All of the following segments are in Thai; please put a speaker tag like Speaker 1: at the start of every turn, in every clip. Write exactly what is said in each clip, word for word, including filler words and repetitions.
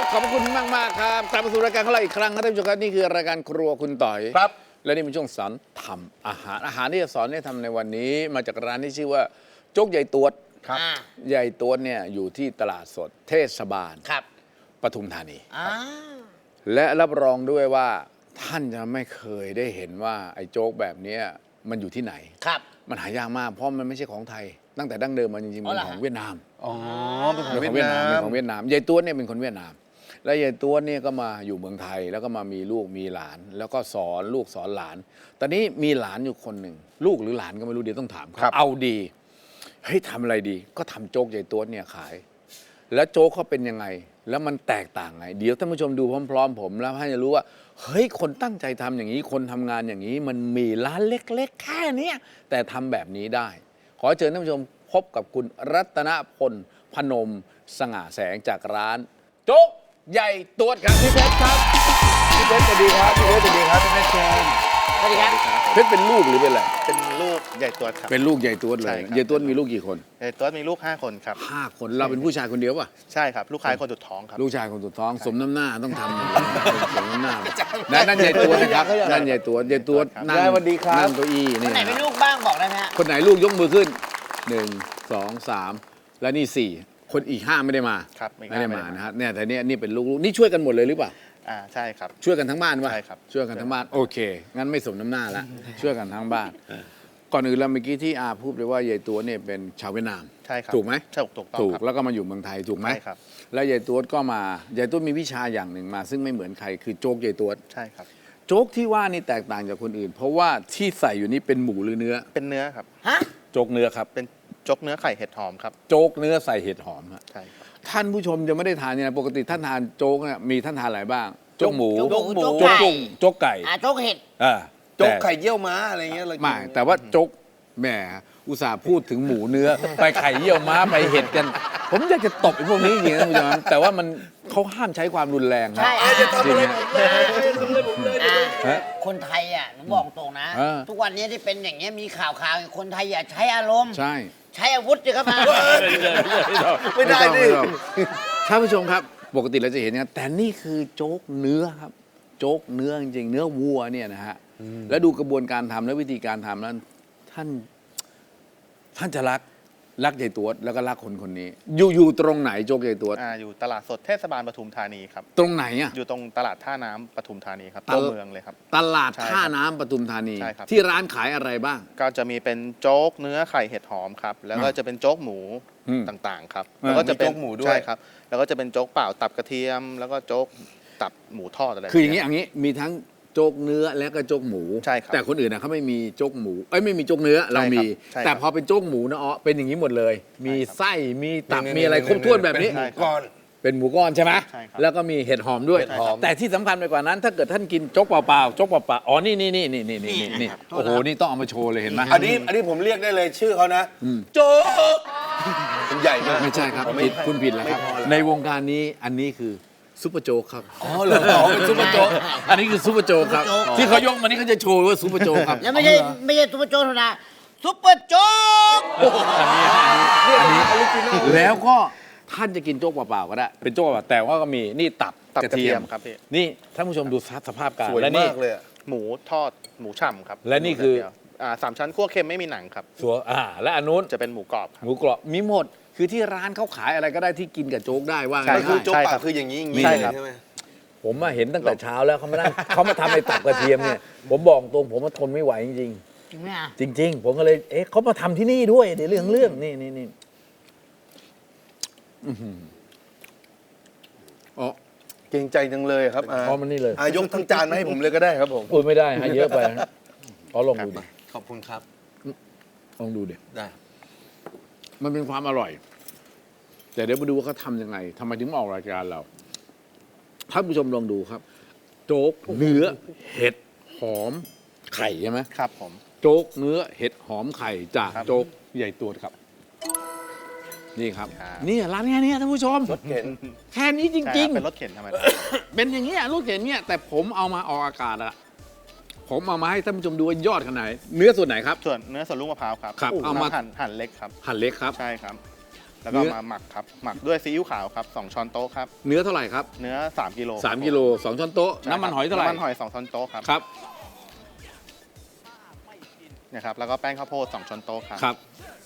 Speaker 1: ขอบคุณมากมากครับกลับมาสู่รายการของเราอีกครั้งครับท่านผู้ชมครับนี่คือรายการครัวคุณต่อย
Speaker 2: ครับ
Speaker 1: และนี่เป็นช่วงสอนทำอาหารอาหารที่จะสอนให้ทำในวันนี้ มาจากร้านที่ชื่อว่าโจ๊กใหญ่ตวด
Speaker 2: ครับ
Speaker 1: ใหญ่ตวดเนี่ยอยู่ที่ตลาดสดเทศบาล
Speaker 3: ครับ
Speaker 1: ปทุมธานี
Speaker 3: อ่า
Speaker 1: และรับรองด้วยว่าท่านจะไม่เคยได้เห็นว่าไอ้โจ๊กแบบเนี้ยมันอยู่ที่ไหน
Speaker 3: ครับ
Speaker 1: มันหายากมากเพราะมันไม่ใช่ของไทย ตั้งแต่ดั้งเดิมมันจริงๆ
Speaker 3: อ๋อ
Speaker 1: เป็น
Speaker 3: เหรอ
Speaker 1: ของ
Speaker 3: ฮะ
Speaker 1: เวียดนาม
Speaker 2: อ๋อเป็นข
Speaker 1: เป็
Speaker 2: อน ง
Speaker 1: ของ
Speaker 2: เวี
Speaker 1: เวี
Speaker 2: ย
Speaker 1: ย
Speaker 2: ด
Speaker 1: ด
Speaker 2: นาน
Speaker 1: าม
Speaker 2: ม
Speaker 1: เป็นของเวียดนามยายตัวเนี่ยเป็นคนเวียดนาม และยายตัวเนี่ยก็มาอยู่เมืองไทย แล้วก็มามีลูกมีหลาน แล้วก็สอนลูกสอนหลาน ตอนนี้มีหลานอยู่คนหนึ่งลูกหรือหลานก็ไม่รู้เดี๋ยวต้องถาม
Speaker 2: ครับ
Speaker 1: เอาดีเฮ้ยทำอะไรดี ก็ทำโจ๊กยายตัวเนี่ยขาย แล้วโจ๊กเขาเป็นยังไง แล้วมันแตกต่างไง เดี๋ยวท่านผู้ชมดูพร้อมๆผมแล้วท่านจะรู้ว่าเฮ้ยคนตั้งใจทำอย่างนี้คนทำงานอย่างนี้ มันมีร้านเล็กๆ แค่เนี้ยแต่ทำแบบนี้ได้ ขอเชิญท่านผู้ชมพบกับคุณรัตนพลพนมสง่าแสงจากร้าน โจ๊กใหญ่ตัวครับพี่เพชรครับพี่เพชรสวัสดีครับพี่เพชรสวัสดีครับพี่เพชรเชิญ
Speaker 3: สวัสดีครับ
Speaker 1: เพชรเป็นลูกหรือเป็นอะไร
Speaker 4: เป็นลูกใหญ่ตัวครับ
Speaker 1: เป็นลูกใหญ่ตัวเล
Speaker 4: ใช่
Speaker 1: ย
Speaker 4: ครับ
Speaker 1: ใหญ่ตัวมีลูกกี่คน
Speaker 4: ใหญ่ตัวมีลูกห้าคนครับ
Speaker 1: ห้าคนเราเป็นผู้ชายคนเดียวป่ะ
Speaker 4: ใช่ครับ ลูกชายคนสุดท้องครับ
Speaker 1: ลูกชายคนสุดท้องสมน้ำหน้าต้องทำอยู่แล้วสมน้ำหน้านั่นนั่นใหญ่ตัวนะครับนั่นใหญ่ตัวใหญ่ตัวนั่ง
Speaker 2: ยายสวัสดีครับ
Speaker 1: นั่งเก้าอี้
Speaker 3: คน
Speaker 1: นี่
Speaker 3: ไหนเป็นลูกบ้างบอกได้ไหมฮะ
Speaker 1: คนไหนลูกยกมือขึ้นหนึ่งสองสามและนี่สี่คนอีกห้าไม่ได้มา
Speaker 4: ครับอีก
Speaker 1: ไม่
Speaker 4: ห้า
Speaker 1: ได้
Speaker 4: ไม่
Speaker 1: มา
Speaker 4: ได้มา
Speaker 1: นะฮะเนี่ยแต่เนี่ยนี่เป็นลูกๆนี่ช่วยกันหมดเลยหรือเปล่า
Speaker 4: อ่าใช่ครับ
Speaker 1: ช่วยกันทั้งบ้านป่ะ
Speaker 4: ใช่ครับ
Speaker 1: ช่วยกันทั้งบ้านโอเค งั้นไม่สมน้ำหน้าละช่วยกันทั้งบ้าน ก่อนอื่นเราเมื่อกี้ที่อาพูดเลยว่ายายตัวเนี่ยเป็นชาวเวียดนาม
Speaker 4: ใช่ครับ
Speaker 1: ถูกไหม
Speaker 4: ใช่ถูกต้อง
Speaker 1: ถูก
Speaker 4: ครับ
Speaker 1: แล้วก็มาอยู่เมืองไทยถูกไหม
Speaker 4: ใช่ครับ
Speaker 1: แล้วยายตัวก็มายายตัวมีวิชาอย่างหนึ่งมา ซึ่งไม่เหมือนใครคือโจ๊กยายตัว
Speaker 4: ใช่ครับ
Speaker 1: โจ๊กที่ว่านี่แตกต่างจากคนอื่น เพราะว่าที่ใส่อยู่นี่เป็นหมูหรือเนื้อ
Speaker 4: เป็นเนื้อครับ
Speaker 3: ฮะ
Speaker 1: โจ๊กเนื้อครับ
Speaker 4: เป็นโจ๊กเนื้อไข่เห็ดหอมครับ
Speaker 1: โจ๊กเนื้อใส่เห็ดหอมฮะ
Speaker 4: ใช่ครับ
Speaker 1: ท่านผู้ชมจะไม่ได้ทานเนี่ยนะปกติท่านทานโจ๊กเนี่ยมีท่านทานอะไรบ้าง โจ๊กหมู
Speaker 3: โจ๊กหมู
Speaker 1: โจ๊ก
Speaker 3: โจ๊กไก่
Speaker 1: กุ้งโจ๊กไก่
Speaker 3: อ่าโจ๊กเห็ด
Speaker 1: อ่า
Speaker 2: โจ๊ก
Speaker 1: แต่
Speaker 2: ไข่เยี่ยวม้าอะไรเงี้ยเรากิน
Speaker 1: ไม่แต่ว่าโจ๊กแหมอุตส่าห์พูดถึงหมูเนื้อ ไปไข่เยี่ยวม้าไปเห็ดกัน ผมอยากจะตบไอ้พวกนี้จริงๆนะท่านผู้ชมแต่ว่ามันเขาห้ามใช้ความรุนแรงนะ
Speaker 3: ใช่
Speaker 2: เอ้ยจะทำอะไรผมเลยทำอะไรผมเลย
Speaker 3: อ่า
Speaker 1: ฮะ
Speaker 3: คนไทยอ่ะหนูบอกตรงนะ
Speaker 1: เออ
Speaker 3: ทุกวันนี้ที่เป็นอย่างเงี้ยมีข่าวข่าวๆคนไทยอย่าใช้อารมณ์
Speaker 1: ใช่
Speaker 3: ใช้อาวุธสิครับมา
Speaker 2: ไม่ได้ดิ
Speaker 1: ม่ต้องท่านผู้ชมครับ ปกติเราจะเห็นนะแต่นี่คือโจ๊กเนื้อครับ โจ๊กเนื้อจริงๆเนื้อวัวเนี่ยนะฮะแล้วดูกระบวนการทำและวิธีการทำนั้นท่านท่านจะรักรักยายตัวแล้วก็รักคนคนนี้ อยู่อยู่ตรงไหนโจ๊กยายตัว
Speaker 4: อ่าอยู่ตลาดสดเทศบาลปทุมธานีครับ
Speaker 1: ตรงไหนอะ
Speaker 4: อยู่ตรงตลาดท่าน้ำปทุมธานีครับ
Speaker 1: ตลาด
Speaker 4: ตัวเมืองเลยครับ
Speaker 1: ตลาด
Speaker 4: ใช่ครับ
Speaker 1: ท่าน้ำปทุมธานี
Speaker 4: ใช่ครับ
Speaker 1: ที่ร้านขายอะไรบ้าง
Speaker 4: ก็จะมีเป็นโจ๊กเนื้อไข่เห็ดหอมครับ แล้วก็
Speaker 1: อ่า
Speaker 4: จะเป็นโจ๊กหมู
Speaker 1: อืม
Speaker 4: ต่างๆครับ
Speaker 1: อ่า
Speaker 4: แล้วก็จะเป็น
Speaker 2: มีโจ๊กหมูด้วย
Speaker 4: ใช่ครับ แล้วก็จะเป็นโจ๊กเปล่าตับกระเทียม แล้วก็โจ๊กตับหมูทอดอะไร
Speaker 1: คืออย่าง
Speaker 4: นี้
Speaker 1: นี้อย่างนี้มีทั้งโจ๊กเนื้อและก็โจ๊กหมู
Speaker 4: ใช่ครับ
Speaker 1: แต่คนอื่นนะเขาไม่มีโจ๊กหมูเอ้ยไม่มีโจ๊กเนื้อเรามี
Speaker 4: ใช่ครับ
Speaker 1: แต่พอเป็นโจ๊กหมูนะอ๋อเป็นอย่างนี้หมดเลย มี
Speaker 4: ใช่ครับ
Speaker 1: ไส้มีตับ
Speaker 2: นี่
Speaker 1: มีอะไร
Speaker 2: นี่
Speaker 1: ครบถ้วนแบบนี้
Speaker 2: เป็หมู
Speaker 4: ใช่ครับ
Speaker 2: ก้อน
Speaker 1: เป็นหมูก้อนใช่ไหม
Speaker 4: ใช่ครับ
Speaker 1: แล้วก็มีเห็ดหอมด้วย
Speaker 4: เห็ดหอม
Speaker 1: แต่ที่สำคัญไปกว่านั้น ถ้าเกิดท่านกินโจ๊กเปล่าๆโจ๊กเปล่าๆอ๋อนี่นี่นี่นี่นี่นี่นี่โอ้โหนี่ต้องเอามาโชว์เลยเห็นไหม
Speaker 2: อันนี้อันนี้ผมเรียกได้เลยชื่อเขานะ
Speaker 1: อืม
Speaker 2: โจ๊กมันใหญ่มาก
Speaker 1: ไม่ใช่ครับ
Speaker 2: ไม่
Speaker 1: ผิดคุณผิดแล้วครับ
Speaker 2: ไม่พอแล้ว
Speaker 1: ในวงการนี้อันนี้คือซุปเปอร์โจ๊กครับ
Speaker 2: อ๋อเหรออ๋อเป็นซุปเปอร์โจ๊ก
Speaker 1: อันนี้คือซุปเปอร์โจ๊กครับ
Speaker 3: ซุปเปอร์โจ๊ก
Speaker 1: ที่เขายกมานี่เขาจะโชว์ว่าซุปเปอร์โจ๊กครับ
Speaker 3: แล้วไม่ใช่ไม่ใช่ซุปเปอร์โจ๊กธรรมดาซุปเปอร์โจ๊ก
Speaker 1: อันนี้แล้วก็ท่านจะกินโจ๊กเปล่าๆก็ได้ เป็นโจ๊กเปล่าๆแต่ว่าก็มีนี่ตับ
Speaker 4: ตับ
Speaker 1: กระ
Speaker 4: กระ
Speaker 1: เที
Speaker 4: เที
Speaker 1: ย
Speaker 4: ย
Speaker 1: ม
Speaker 4: มครับพี่
Speaker 1: นี่ท่านผู้ชมดูสภาพการ
Speaker 2: สวย
Speaker 1: และนี่
Speaker 2: มากเลยอะ
Speaker 4: หมูทอดหมูฉ่ำครับ
Speaker 1: และนี่คือ
Speaker 4: หมูแดดเดียวอ่าสามชั้นคั่วเค็มไม่มีหนังครับ
Speaker 1: สัวอ่า และอันนู้น
Speaker 4: จะเป็นหมูกรอบครับ
Speaker 1: หมูกรอบมีหมด คือที่ร้านเขาขายอะไรก็ได้ที่กินกับโจ๊กได้ว่า
Speaker 4: ใช่
Speaker 1: ง่าย
Speaker 2: ก็คือโจ๊ก
Speaker 4: ใช่
Speaker 2: ปา
Speaker 4: ครั
Speaker 2: ก
Speaker 4: บ
Speaker 2: คืออย่างนี้อย่างนี้
Speaker 4: ใช่ครับ
Speaker 2: ใช่ไหม
Speaker 1: ๆผมมาเห็นตั้งแต่เช้าแล้วเขามานั่งเขามาทำไอ้ตับกระเทียมเนี่ยผมบอกตรงผมมาทนไม่ไหวจริง
Speaker 3: จริงไหมอ่ะ
Speaker 1: ๆจริง ๆ ผมก็เลยเอ๊ะเขามาทำที่นี่ด้วยเดี๋ยวเรื่องเรื่องนี่นี่นี่อื้อหืออ๋อ
Speaker 2: เกรงใจจังเลยครับอา
Speaker 1: พอมันนี่เลย
Speaker 2: อายกทั้งจานมาให้ผมเลยก็ได้ครับผม
Speaker 1: พูดไม่ได้ฮะเยอะไปฮะขอลองดูดิ
Speaker 2: ขอบคุณครับ
Speaker 1: ลองดูดิ
Speaker 2: ได้
Speaker 1: มันเป็นความอร่อย แต่เดี๋ยวมาดูว่าเขาทำยังไงทำไมถึงมาออกรายการเราท่านผู้ชมลองดูครับ โจ๊กเนื้อเห็ดหอมไข่ใช่ไหม
Speaker 4: ครับผม
Speaker 1: โจ๊กเนื้อเห็ดหอมไข่จาก
Speaker 4: ครับ
Speaker 1: โจ๊กใหญ่ตัวครับ นี่ครับ
Speaker 4: ครับ
Speaker 1: นี่ร้านแค่นี้ท่านผู้ชม
Speaker 2: รถเข็น
Speaker 1: แค่นี้จ
Speaker 4: ใช่ค
Speaker 1: ริ
Speaker 4: รั
Speaker 1: ง
Speaker 4: บเป็นรถเข็นธรรมดา
Speaker 1: ๆ เป็นอย่างเงี้ยลูกเห็นเนี่ยแต่ผมเอามาออกอากาศอะผมเอามาให้ท่านผู้ชมดูว่ายอดขนาดไหนเนื้อส่วนไหนครับ
Speaker 4: ส่วนเนื้อส่วนลูกมะพร้าวครับ
Speaker 1: ครับเอามา
Speaker 4: หั่นหั่นเล็กครับ
Speaker 1: หั่นเล็กครับ
Speaker 4: ใช่ครับแล้วก็
Speaker 1: เนื้อ
Speaker 4: มาหมักครับหมักด้วยซีอิ๊วขาวครับสองช้อนโต๊ะครับ
Speaker 1: เนื้อเท่าไหร่ครับ
Speaker 4: เนื้อสามกิโล
Speaker 1: สามกิโลสองช้อนโต๊ะ
Speaker 4: ใช่ครับ
Speaker 1: น้ำมันหอยเท่าไหร่
Speaker 4: น้ำมันหอยสองช้อนโต๊ะครับ
Speaker 1: ครับ
Speaker 4: เนี่ยครับแล้วก็แป้งข้าวโพดสองช้อนโต๊ะครับ
Speaker 1: ครับ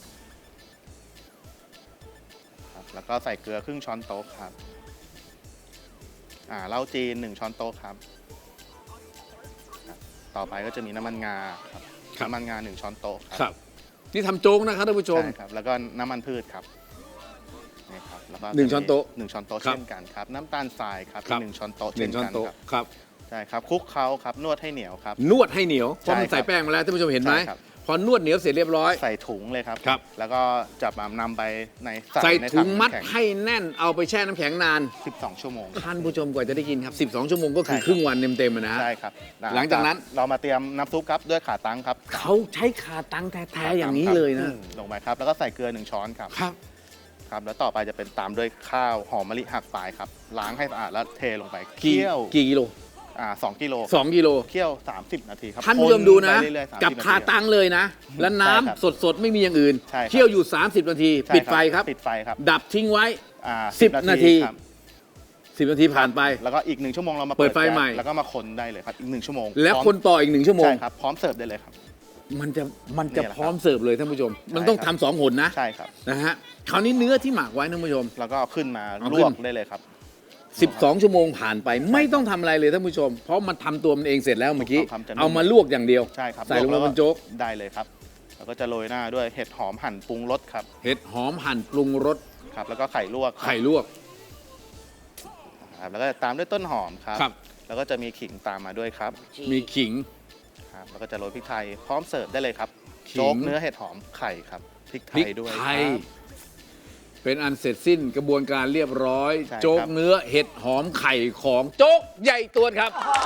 Speaker 4: ครับแล้วก็ใส่เกลือครึ่งช้อนโต๊ะครับอ่าเหล้าจีนหนึ่งช้อนโต๊ะครับครับต่อไปก็จะมีน้ำมันงาครับ
Speaker 1: ครับ
Speaker 4: น้ำมันงาหนึ่งช้อนโต๊ะครับ
Speaker 1: ครับนี่ทำโจ๊กนะครับท่านผู้ชม
Speaker 4: ใช่ครับแล้วก็น้ำมันพืชครับนี่ครับแล้วก็
Speaker 1: หนึ่งช้อนโต๊ะ
Speaker 4: หนึ่งช้อนโต๊ะ
Speaker 1: ครับ
Speaker 4: เช่นกันครับน้ำตาลทรายครับ
Speaker 1: ครับ
Speaker 4: หนึ่งช้อนโต๊ะ
Speaker 1: หนึ่
Speaker 4: เช่
Speaker 1: ง
Speaker 4: น
Speaker 1: ช้อน
Speaker 4: กัน
Speaker 1: โต๊ะ
Speaker 4: ครับ
Speaker 1: ครับ
Speaker 4: ใช่ครับคลุกเคล้าครับนวดให้เหนียวครับ
Speaker 1: นวดให้เหนียวเพราะมัน
Speaker 4: ใช่ครับ
Speaker 1: ใส่แป้งมาแล้วท่านผู้ชมเห็นไหม
Speaker 4: ใช่ครับ
Speaker 1: พอนวดเหนียวเสร็จเรียบร้อย
Speaker 4: ใส่ถุงเลยครับ
Speaker 1: ครับ
Speaker 4: แล้วก็จะมานำไปใน
Speaker 1: ใส่
Speaker 4: ใน
Speaker 1: ถุงมัด
Speaker 4: น้ำแข็
Speaker 1: ให้แน่นเอาไปแช่น้ำแข็งนาน
Speaker 4: สิบสองชั่วโมง
Speaker 1: ท่านผู้ชมกว่าจะได้กินครับ สิบสอง ชั่วโมงก็คือ
Speaker 4: ใช่ครับ
Speaker 1: ครึ่งวันเต็มๆอะนะฮะ
Speaker 4: ใช่ครับ
Speaker 1: หลังจากนั้น
Speaker 4: เรามาเตรียมน้ำซุปครับด้วยขาตั้งครับ
Speaker 1: เขาใช้ขาตั้งแท้ๆอย่างนี้เลยนะ
Speaker 4: ลงไปครับแล้วก็ใส่เกลือหนึ่งช้อนครับ
Speaker 1: ครับ
Speaker 4: ครับแล้วต่อไปจะเป็นตามด้วยข้าวหอมมะลิหักฝายครับล้างให้สะอาดแล้วเทลงไป
Speaker 1: กี่
Speaker 4: เคี่ยว
Speaker 1: กี่กิโล
Speaker 4: อ่าสองกิโล
Speaker 1: สองกิโล
Speaker 4: เคี่ยวสามสิบนาทีครับ
Speaker 1: ท่านผู้ชมดูนะ
Speaker 4: คไปเรื่อยๆสามสิบ
Speaker 1: กับ
Speaker 4: นที
Speaker 1: ขาตั้งเลยนะ แล้วน้ำ
Speaker 4: ใช่ครับ
Speaker 1: สดๆ ไม่มีอย่างอื่น
Speaker 4: ใช่ครับ
Speaker 1: เคี่ยวอยู่ สามสิบ นาที
Speaker 4: ใช่
Speaker 1: ปิดไฟครับ
Speaker 4: ปิดไฟครับ
Speaker 1: ดับทิ้งไว้
Speaker 4: อ่า
Speaker 1: สิบนาที
Speaker 4: ครับ
Speaker 1: สิบ นาทีผ่านไป
Speaker 4: แล้วก็อีกหนึ่งชั่วโมงเรามา
Speaker 1: เปิดไฟ
Speaker 4: แก๊ส
Speaker 1: ใหม่
Speaker 4: แล้วก็มาคนได้เลยครับอีกหนึ่งชั่วโมง
Speaker 1: แล้ว
Speaker 4: พร้อม
Speaker 1: คนต่ออีกหนึ่งชั่วโมง
Speaker 4: ใช่ครับพร้อมเสิร์ฟได้เลยครับ
Speaker 1: มันจะมันจะ
Speaker 4: เนี่ยแหละครับ
Speaker 1: พร้อมเสิร์ฟเลยท่านผู้ชม มัน
Speaker 4: ใช่
Speaker 1: ต้อง
Speaker 4: ครับ
Speaker 1: ทำสองหนนะ
Speaker 4: ใช่ครับ
Speaker 1: นะฮะคราวนี้เนื้อที่หมักไว้ท่านผู้ชม
Speaker 4: แล้วก็เอาขึ้นมา
Speaker 1: เอา
Speaker 4: ล
Speaker 1: ขึ้น
Speaker 4: วกได้เลยครับ
Speaker 1: สิบสอง ชั่วโมงผ่านไป ไม่ต้องทำอะไรเลยท่านผู้ชม เพราะมันทำตัวมันเองเสร็จแล้วเมื่อกี้
Speaker 4: ทำจะนุ่ม
Speaker 1: เอามาลวกอย่างเดียว
Speaker 4: ใช่ครับ
Speaker 1: ใส่ลง
Speaker 4: แว
Speaker 1: ไปบนโจ๊ก
Speaker 4: ได้เลยครับ แล้วก็จะโรยหน้าด้วยเห็ดหอมหั่นปรุงรสครับ
Speaker 1: เห็ดหอมหั่นปรุงรส
Speaker 4: ครับ แล้วก็ไข่ลวกครับ
Speaker 1: ไข่ลวก
Speaker 4: ครับแล้วก็ตามด้วยต้นหอมครับ
Speaker 1: ครับ
Speaker 4: แล้วก็จะมีขิงตามมาด้วยครับ
Speaker 1: มีขิง
Speaker 4: ครับ แล้วก็จะโรยพริกไทยพร้อมเสิร์ฟได้เลยครับ
Speaker 1: ขิง
Speaker 4: โจ๊กเนื้อเห็ดหอมไข่ครับพริกไท
Speaker 1: พริก
Speaker 4: ยด้วย
Speaker 1: ไท
Speaker 4: ค
Speaker 1: ย
Speaker 4: รับ
Speaker 1: เป็นอันเสร็จสิ้นกระบวนการเรียบร้อย
Speaker 4: ใช่ครับ
Speaker 1: โจ๊กเนื้อเห็ดหอมไข่ของโจ๊กใหญ่ตัวครับ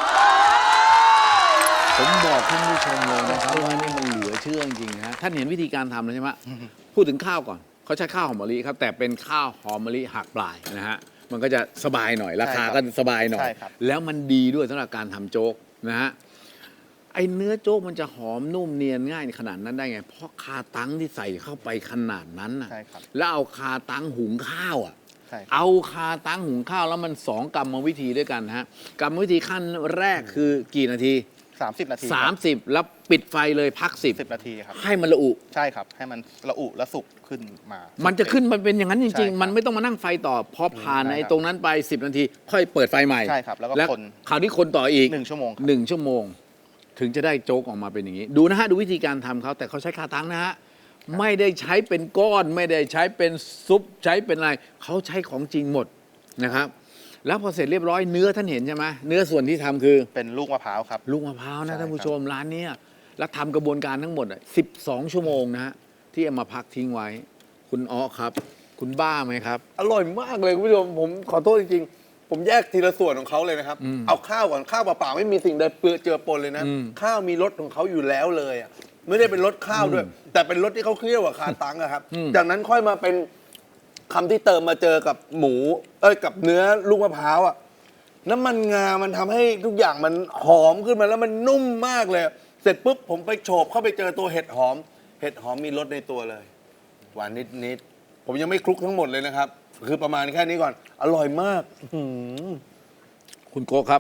Speaker 1: ผมบอกท่านผู้ชมเลยนะครับว่านี่มันเหลือเชื่อจริงๆฮะท่านเห็นวิธีการทำแล้วใช่ไหมพูดถึงข้าวก่อนเขาใช้ข้าวหอมมะลิครับแต่เป็นข้าวหอมมะลิหักปลายนะฮะมันก็จะสบายหน่อยราคาก็สบายหน่อย
Speaker 4: ใช่ครับ
Speaker 1: แล้วมันดีด้วยสำหรับการทำโจ๊กนะฮะไอเนื้อโจ๊กมันจะหอมนุ่มเนียนง่ายขนาดนั้นได้ไง เพราะคาตั้งที่ใส่เข้าไปขนาดนั้นน่ะ
Speaker 4: ใช่ครับ
Speaker 1: แล้วเอาคาตั้งหุงข้าวอ่ะ
Speaker 4: ใช่ครับ
Speaker 1: เอาคาตั้งหุงข้าวแล้วมันสองกรรมวิธีด้วยกันฮะกรรมวิธีขั้นแรกคือกี่นาที
Speaker 4: สามสิบนาที
Speaker 1: สามสิบแล้วปิดไฟเลยพักสิบ
Speaker 4: สิบนาทีครับ
Speaker 1: ให้มันละอุ
Speaker 4: ใช่ครับ ให้มันระอุและสุกขึ้นมา
Speaker 1: มันจะขึ้นมันเป็นอย่างนั้นจ
Speaker 4: ใช่
Speaker 1: ริง
Speaker 4: ครับ
Speaker 1: ๆ มันไม่ต้องมานั่งไฟต่อพอผ่าน
Speaker 4: ใช่ครับ
Speaker 1: ไอ้ตรงนั้นไปสิบนาที ค่อยเปิดไฟใหม่
Speaker 4: ใช่ครับแล้วก็คน
Speaker 1: คราวนี้คนต่ออีก
Speaker 4: หนึ่งชั่วโมงครับ
Speaker 1: หนึ่งชั่วโมง ถึงจะได้โจ๊กออกมาเป็นอย่างนี้ ดูนะฮะ ดูวิธีการทำเขาแต่เขาใช้คาตั้งนะฮะ ไม่ได้ใช้เป็นก้อน ไม่ได้ใช้เป็นซุปใช้เป็นอะไร เขาใช้ของจริงหมดนะครับ แล้วพอเสร็จเรียบร้อยเนื้อท่านเห็นใช่ไหมเนื้อส่วนที่ทำคือ
Speaker 4: เป็นลูกมะพร้าวครับ
Speaker 1: ลูกมะพร้าว
Speaker 4: ใช่
Speaker 1: นะท่านผู้
Speaker 4: ครับ
Speaker 1: ชมร้านเนี้ยแล้วทำกระบวนการทั้งหมดสิบสองชั่วโมงนะฮะที่เอามาพักทิ้งไว้ คุณอ้อครับ คุณบ้าไหมครับ
Speaker 2: อร่อยมากเลยคุณผู้ชมผมขอโทษจริงๆ ผมแยกทีละส่วนของเขาเลยนะครับ
Speaker 1: อืม
Speaker 2: เอาข้าวก่อนข้าวเปล่าๆไม่มีสิ่งใดเปื้อเจือปนเลยนะ
Speaker 1: อืม
Speaker 2: ข้าวมีรสของเขาอยู่แล้วเลยอ่ะไม่ได้เป็นรสข้าวด้วย แต่เป็นรสที่เขาเคี่ยวกับคาตังอะครับ
Speaker 1: อืม
Speaker 2: จากนั้นค่อยมาเป็นคำที่เติมมาเจอกับหมู เอ้ยกับเนื้อลูกมะพร้าวอ่ะน้ำมันงา มันทำให้ทุกอย่างมันหอมขึ้นมาแล้วมันนุ่มมากเลย เสร็จปุ๊บผมไปโฉบเข้าไปเจอตัวเห็ดหอม เห็ดหอมมีรสในตัวเลย หวานนิดๆ ผมยังไม่คลุกทั้งหมดเลยนะครับ คือประมาณแค่นี้ก่อน อร่อยมากอื้อหือ
Speaker 1: คุณโกครับ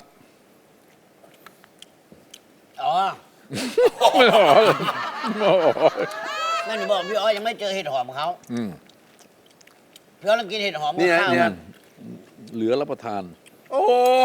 Speaker 3: อ๋อแม่หนูบอกพี่อ้อยยังไม่เจอเห็ดหอมเขา
Speaker 1: อืม
Speaker 3: พี่อ้อยลองกินเห็ดหอมกับ
Speaker 2: นี่นะ
Speaker 3: ข้าว
Speaker 2: เนี่ย
Speaker 1: เหลือรับประทาน
Speaker 2: โอ้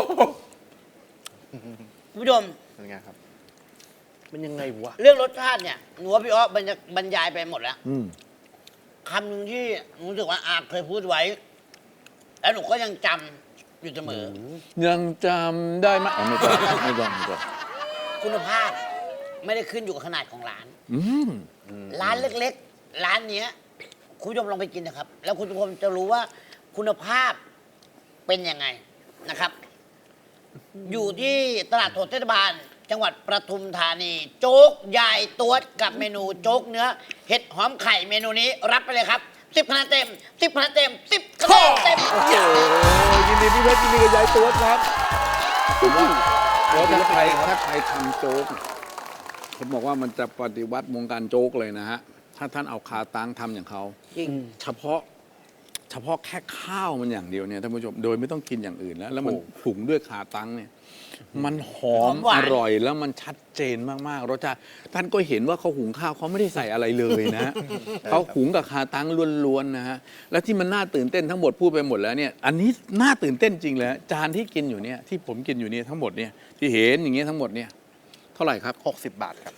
Speaker 3: คุณผู้ชม
Speaker 4: เป็นไงครับ
Speaker 2: มันยังไงวะ
Speaker 3: เรื่องรสชาติเนี่ยหนูว่าพี่อ้อบรรยบรรยายไปหมดแล้ว
Speaker 1: อืม
Speaker 3: คำหนึ่งที่หนูรู้สึกว่าอาเคยพูดไว้ แล้วหนูก็ยังจำอยู่เสมอ
Speaker 1: ยังจำได้ไหมอ๋อไม่ต้องไม่ต้องไม่ต้อง
Speaker 3: คุณภาพไม่ได้ขึ้นอยู่กับขนาดของร้าน
Speaker 1: อืม
Speaker 3: ร้านเล็กๆ ร้านเนี้ย คุณผู้ชมลองไปกินนะครับ แล้วคุณผู้ชมจะรู้ว่าคุณภาพเป็นยังไงนะครับ อยู่ที่ตลาดสดเทศบาล จังหวัดประทุมธานี โจ๊กยายตัวกับเมนูโจ๊กเนื้อ เห็ดหอมไข่เมนูนี้รับไปเลยครับสิบคะแนนเต็มสิบคะแนนเต็มสิบคะแนนเต็ม
Speaker 1: โอ้โหยินดีพี่เพชรยินดีกับยายตัวครับผมว่าแล้วถ้าใครถ้าใครทำโจ๊กผมบอกว่ามันจะปฏิวัติวงการโจ๊กเลยนะฮะ ถ้าท่านเอาคาตังทำอย่างเขา
Speaker 3: จริง
Speaker 1: เฉพาะเฉพาะแค่ข้าวมันอย่างเดียวเนี่ยท่านผู้ชมโดยไม่ต้องกินอย่างอื่นแล้ว แล้วมันหุงด้วยขาตั้งเนี่ยมันหอม
Speaker 3: หอมหวาน
Speaker 1: อร่อยแล้วมันชัดเจนมากๆรสชาติท่านก็เห็นว่าเขาหุงข้าวเขาไม่ได้ใส่อะไรเลยนะ เขาหุงกับขาตั้งล้วนๆนะฮะและที่มันน่าตื่นเต้นทั้งหมดพูดไปหมดแล้วเนี่ยอันนี้น่าตื่นเต้นจริงเลยจานที่กินอยู่เนี่ยที่ผมกินอยู่เนี่ยทั้งหมดเนี่ยที่เห็นอย่างเงี้ยทั้งหมดเนี่ยเท่าไหร่ครับ
Speaker 4: หกสิบบาทครับ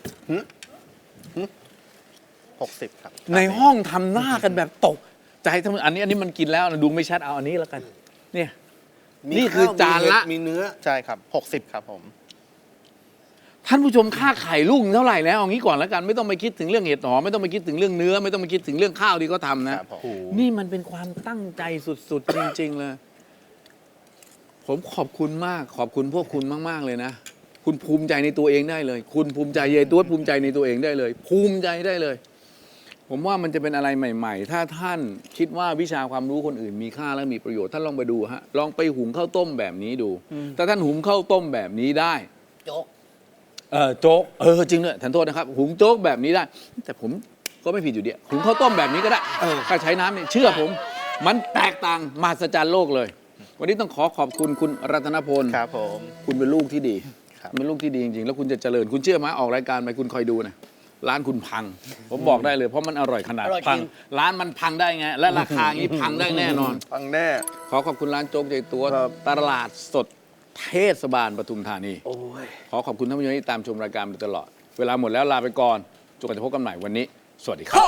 Speaker 4: หกสิบครับ
Speaker 1: ในห้องทำหน้ากันแบบตกใจทั้งอันนี้อันนี้มันกินแล้วนะดูไม่ชัดเอาอันนี้แล้วกัน เนี่ย
Speaker 2: มี
Speaker 1: นี่คือ
Speaker 2: ข้ว
Speaker 1: จานละ
Speaker 2: มีเห็ดมีเนื้อ
Speaker 4: ใช่ครับหกสิบครับผม
Speaker 1: ท่านผู้ชมค่าไข่ลูกเท่าไหร่แล้วเอางี้ก่อนแล้วกันไม่ต้องไปคิดถึงเรื่องเห็ดหอมไม่ต้องไปคิดถึงเรื่องเนื้อ ไม่ต้องไปคิดถึงเรื่องข้าวที่เขาทำนะครับ
Speaker 4: ผม
Speaker 1: นี่มันเป็นความตั้งใจสุดๆ จริง ๆ เลย ผมขอบคุณมาก ขอบคุณพวกคุณมาก ๆ เลยนะ คุณภูมิใจในตัวเองได้เลย คุณภูมิใจเยตัวภูมิใจในตัวเองได้เลย ภูมิใจได้เลย ผมว่ามันจะเป็นอะไรใหม่ ๆ ถ้าท่านคิดว่าวิชาความรู้คนอื่นมีค่าและมีประโยชน์ท่านลองไปดูฮะลองไปหุงข้าวต้มแบบนี้ดูถ้าท่านหุงข้าวต้มแบบนี้ได้
Speaker 3: โจ๊ก
Speaker 1: เออโจ๊กเออจริงด้วยท่านโทษนะครับ หุงโจ๊กแบบนี้ได้ แต่ผมก็ไม่ผิดอยู่ดีหุงข้าวต้มแบบนี้ก็ได้ถ้าใช้น้ำเนี่ยเชื่อผม มันแตกต่างมหัศจรรย์โลกเลย วันนี้ต้องขอขอบคุณคุณรัตนพล
Speaker 4: ครับผม
Speaker 1: คุณเป็นลูกที่ดี
Speaker 4: ครับ
Speaker 1: เป็นลูกที่ดีจริงๆแล้วคุณจะเจริญคุณเชื่อไหมออกรายการไปคุณคอยดูนะร้านคุณพัง ผมบอกได้เลยเพราะมันอร่อยขนาด
Speaker 3: อร่อยจริง
Speaker 1: พังร้านมันพังได้ไงและราคางี้พังได้แน่นอน
Speaker 2: ฟังแน่
Speaker 1: ขอขอบคุณร้านโจ๊กใจตัว
Speaker 2: ครับ
Speaker 1: ตลาดสดเทศบาลปทุมธานี
Speaker 2: โอ้ย
Speaker 1: ขอขอบคุณท่านผู้ชมที่ตามชมรายการมาตลอด เวลาหมดแล้วลาไปก่อนจนกว่าจะพบกันใหม่วันนี้ สวัสดีครับ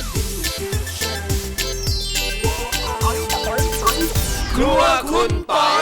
Speaker 5: ครัวคุณปอย